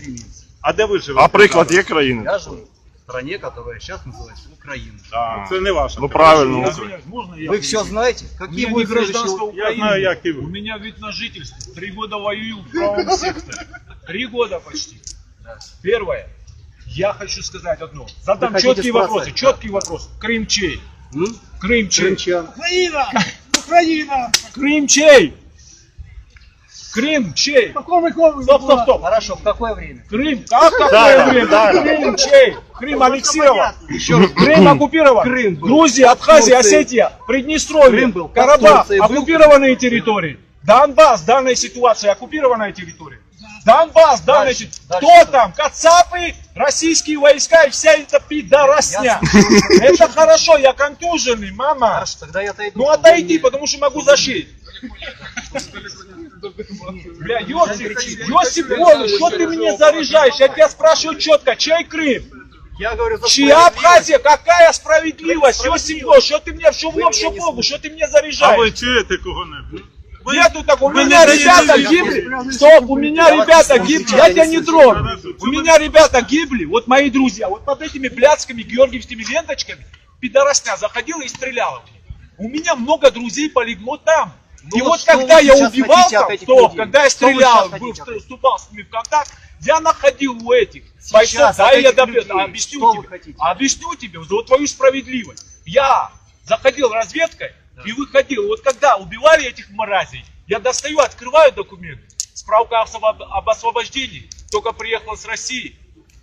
стремиться. А де ви живете? А приклад є країни? Я живу в стране, которая сейчас называется Украина. Це не ваша. Ну правильно. Можно я? Вы все знаете? Какие будут гражданство Я знаю, як і У ви. меня вид на жительство. 3 года воюю в правом секторе. 3 года почти. Первое. Я хочу сказать одно. Задам Вы хотите четкий вопрос. спросить? Четкий вопрос. Крым чей? Крым чей? Крымчан. Украина! Украина! Крым чей? Крым чей? Стоп. Хорошо, в какое время? Крым? Как какое время? да. Крым чей? Крым аннексирован. Крым оккупирован. Крым был. Грузия, Абхазия, Турции. Осетия, Приднестровье, Крым был. Карабах, Турции был. оккупированные территории. Донбасс, данная ситуация, оккупированная территория. Донбасс, данная ситуация. Дальше Кто что? там? Кацапы, российские войска и вся эта пидоросня. Это хорошо, я контуженный, мама. Хорошо, тогда я отойду. Ну отойди, потому что могу зашить. Бля, Йосип Волос, что ты мне заряжаешь? Я тебя спрашиваю четко, чей Крым? Я говорю за Чья справедливость. Абхазия? Какая справедливость? Йосип Волос, что ты мне, что в лоб, что в богу, что ты мне А ви заряжаешь? чуєте кого-небудь? Нету такого, у меня ребята гибли. Стоп, у меня ребята гибли, я тебя не трону. У меня ребята гибли, вот мои друзья, вот под этими блядскими георгиевскими ленточками пидоросня заходила и стреляла. У меня много друзей полегло там. Ну И вот вот что когда вы я сейчас убивал хотите от там, этих то, людей? когда я Что вы стрелял, сейчас хотите от этих? вступал с ними в контакт, я находил у этих бойцов, Сейчас да, от я этих добью, людей объясню что тебе, вы хотите? объясню тебе за вот твою справедливость. Я заходил разведкой и выходил, вот когда убивали этих мразей, я достаю, открываю документы, справка об освобождении, только приехал с России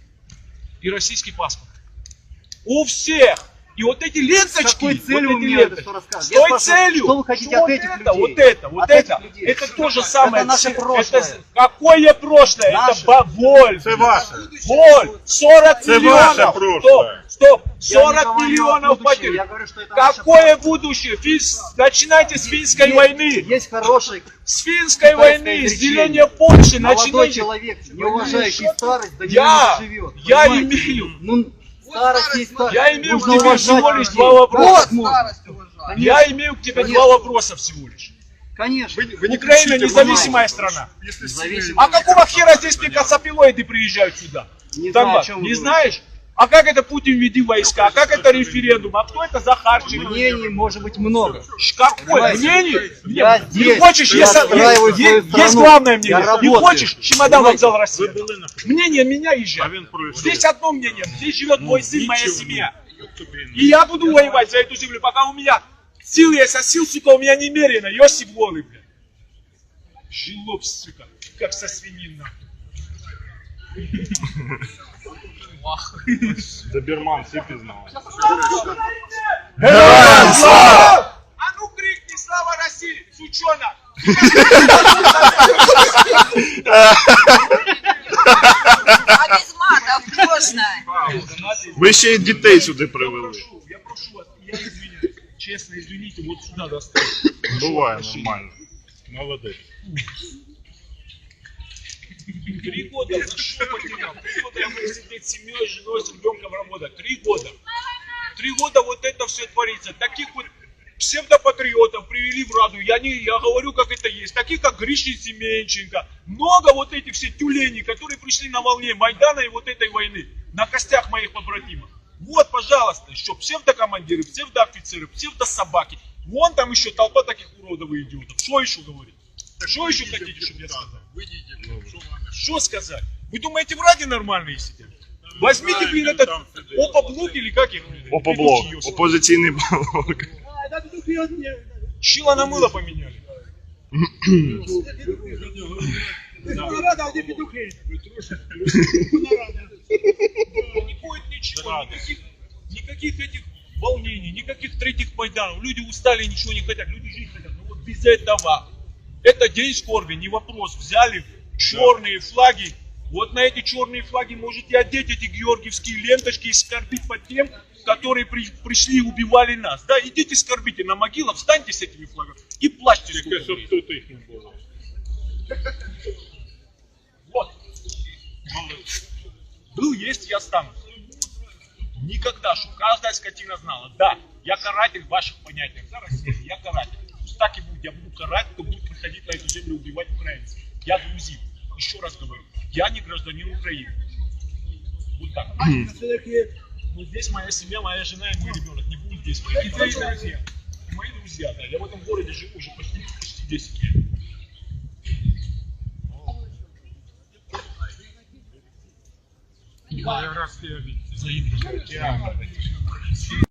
и российский паспорт. У всех. И вот эти ленточки, С какой целью вот вы эти мне это ленточки, что рассказываете? с Я той спрашиваю, целью, что вы хотите что от этих это, людей? вот От это, этих людей. это то же самое. Это наше прошлое. Это, какое прошлое? Наше. Это боль. Це ваше. Боль. 40 Это ваше миллионов. прошлое. Стоп. Я не 40 говорю о миллионов будущем, потерь. я говорю, что это наше Какое будущее? Начинайте с финской войны. Есть хороший С финской войны, с изречение. деления Польши. молодой Начинайте. человек, не уважающий старость, до Я- нее не живет. я Понимаете? имею. Ну, старость есть старость. Я имею к Нужно тебе уважать всего лишь людей. два вопроса. Как можно? Я имею к тебе Конечно. два вопроса всего лишь. Конечно. Украина независимая страна. Независимо. А какого хера здесь мне косопилоиды приезжают сюда? Не В знаю, Донбасс? о чем вы Не говорите. знаешь? А как это Путин веди войска? А как это референдум? А кто это Захарченко? Мнений может быть много. Какое Понимаете? мнение? Я Не здесь, хочешь, я есть, отстраиваю свою есть страну. главное Я мнение. Не работаю. хочешь, чемодан Понимаете? вокзал России. Мнение меня А езжай. він пройшов. Здесь одно мнение. Здесь живет мой сын, моя Ничего. семья. И я буду воевать за эту землю, пока у меня сил есть, а сил, сука, у меня немерено. Йосип голый, блядь. Жилоб, сука, как со свинина. Доберман, всі пізнали. Героям слава! А ну крикни «Слава России», сучонок! А без матов можно. Ви ще й дітей сюди привели. Я прошу вас, я извиняюсь. Честно, извините, вот сюда достал. Буває нормально. Молодець. 3 года за что потерял? 3 года я буду сидеть с семьей, женой, с ребенком работать. 3 года. 3 года вот это все творится. Таких вот псевдопатриотов привели в Раду. Я говорю, как это есть. Таких, как Гришин Семенченко. Много вот этих все тюленей, которые пришли на волне Майдана и вот этой войны. На костях моих побратимов. Вот, пожалуйста, еще псевдокомандиры, псевдоофицеры, псевдособаки. Вон там еще толпа таких уродов и идиотов. Что еще говорить? Что еще хотите, чтобы я сказал? Что сказать? Вы думаете, в Раде нормальные сидят? Возьмите, блин, этот ОПО-блок или как их? Опоблок, опозиційний блок. Шило на мыло поменяли. Не будет ничего, никаких этих волнений, никаких третьих Майданов. Люди устали, ничего не хотят, люди жить хотят. Но вот без этого. Это день скорби, не вопрос. Взяли черные флаги. Вот на эти черные флаги можете одеть эти георгиевские ленточки и скорбить по тем, которые пришли и убивали нас. Да, идите скорбите на могилах, встаньте с этими флагами и плачьте. Тільки щоб тут їх не було. Вот. Был, есть и останусь. Никогда, чтобы каждая скотина знала. Да, я каратель в ваших понятиях. Да, Россия, я каратель. Пусть так и будет. Я буду карать, кто будет приходить на эту землю убивать украинцев. Я грузин. Еще раз говорю. Я не гражданин Украины. Вот так. Вот здесь моя семья, моя жена и мой ребенок не будут здесь. И твои друзья. И мои друзья, да. Я в этом городе живу уже почти 10 лет. Я рад тебя видеть. Взаимно.